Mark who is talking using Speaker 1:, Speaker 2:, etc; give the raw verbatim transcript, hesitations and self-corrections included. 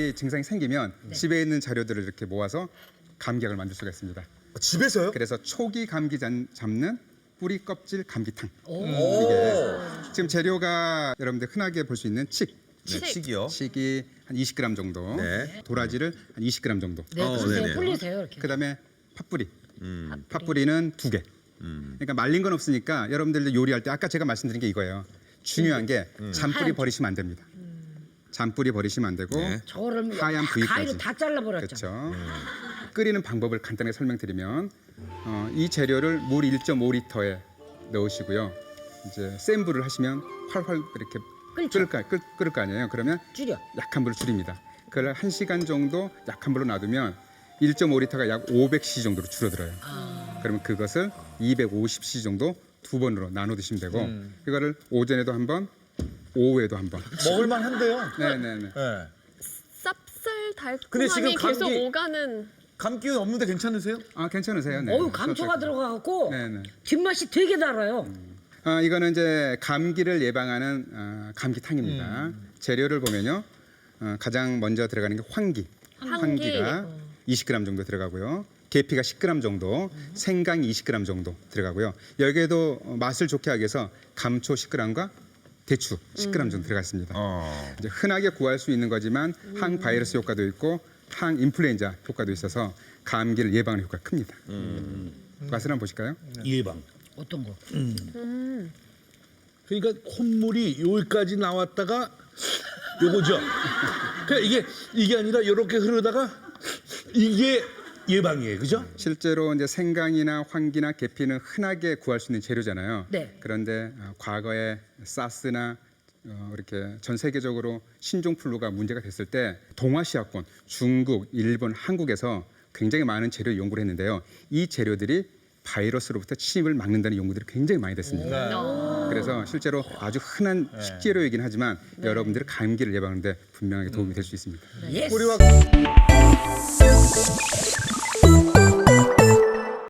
Speaker 1: 감기 증상이 생기면
Speaker 2: 네.
Speaker 1: 집에 있는 자료들을 이렇게 모아서 감기약을 만들 수가 있습니다.
Speaker 3: 아, 집에서요?
Speaker 1: 그래서 초기 감기 잡- 잡는 뿌리 껍질 감기탕.
Speaker 3: 오.
Speaker 1: 이게 지금 재료가 여러분들 흔하게 볼 수 있는 칡,
Speaker 3: 네, 칡이요.
Speaker 1: 칡이 한 이십 그램 정도,
Speaker 3: 네.
Speaker 1: 도라지를 한 이십 그램 정도.
Speaker 2: 네,
Speaker 3: 어,
Speaker 2: 그러세요.
Speaker 3: 네네.
Speaker 2: 풀리세요 이렇게.
Speaker 1: 그다음에 팥뿌리.
Speaker 3: 음.
Speaker 1: 팥뿌리는 두 개.
Speaker 3: 음.
Speaker 1: 그러니까 말린 건 없으니까 여러분들 요리할 때 아까 제가 말씀드린 게 이거예요. 중요한 게 잔뿌리
Speaker 2: 하얀
Speaker 1: 버리시면 안 됩니다. 잔뿌리 버리시면 안 되고
Speaker 3: 네.
Speaker 2: 저거를
Speaker 1: 하얀
Speaker 2: 다-
Speaker 1: 부위까지.
Speaker 2: 가위로 다 잘라버렸죠.
Speaker 1: 그렇죠. 끓이는 방법을 간단하게 설명드리면 어, 이 재료를 물 일 점 오 리터에 넣으시고요. 이제 센 불을 하시면 활활 이렇게
Speaker 2: 끓죠.
Speaker 1: 끓을 거, 끓, 끓을 거 아니에요. 그러면
Speaker 2: 줄여.
Speaker 1: 약한 불을 줄입니다. 그걸 한 시간 정도 약한 불로 놔두면 일 점 오 리터가 약 오백 씨씨 정도로 줄어들어요. 그러면 그것을 이백오십 씨씨 정도 두 번으로 나눠 드시면 되고 이거를 오전에도 한 번, 오후에도 한 번.
Speaker 4: 먹을만 한데요.
Speaker 1: 네네네.
Speaker 4: 네.
Speaker 5: 쌉쌀
Speaker 4: 근데 지금
Speaker 5: 달콤함이 계속
Speaker 4: 감기-
Speaker 5: 오가는.
Speaker 4: 감기 없는데 괜찮으세요?
Speaker 1: 아 괜찮으세요? 네.
Speaker 2: 어우 감초가
Speaker 1: 저도-
Speaker 2: 들어가갖고
Speaker 1: 네네.
Speaker 2: 뒷맛이 되게 달아요.
Speaker 1: 아, 이거는 이제 감기를 예방하는 어, 감기탕입니다.
Speaker 2: 음.
Speaker 1: 재료를 보면요, 어, 가장 먼저 들어가는 게 황기.
Speaker 5: 황기.
Speaker 1: 가 이십 그램 정도 들어가고요. 계피가 십 그램 정도, 생강이 이십 그램 정도 들어가고요. 여기에도 어, 맛을 좋게 하기 위해서 감초 십 그램과 대추 십 그램 정도 들어가 있습니다.
Speaker 3: 어.
Speaker 1: 이제 흔하게 구할 수 있는 거지만 항바이러스 효과도 있고 항인플루엔자 효과도 있어서 감기를 예방하는 효과가 큽니다. 맛을 한번 보실까요?
Speaker 6: 예방.
Speaker 2: 어떤 거?
Speaker 6: 그러니까 콧물이 여기까지 나왔다가 요거죠. 그러니까 이게 이게 아니라 이렇게 흐르다가 이게 예방이에요, 그죠?
Speaker 1: 실제로 이제 생강이나 황기나 계피는 흔하게 구할 수 있는 재료잖아요.
Speaker 2: 네.
Speaker 1: 그런데 어, 과거에 사스나 어, 이렇게 전 세계적으로 신종플루가 문제가 됐을 때 동아시아권, 중국, 일본, 한국에서 굉장히 많은 재료 연구를 했는데요. 이 재료들이 바이러스로부터 침입을 막는다는 연구들이 굉장히 많이 됐습니다. 그래서 실제로 아주 흔한 식재료이긴 하지만 여러분들의 감기를 예방하는 데 분명하게 도움이 될 수 있습니다.
Speaker 2: 예스.
Speaker 4: 우리와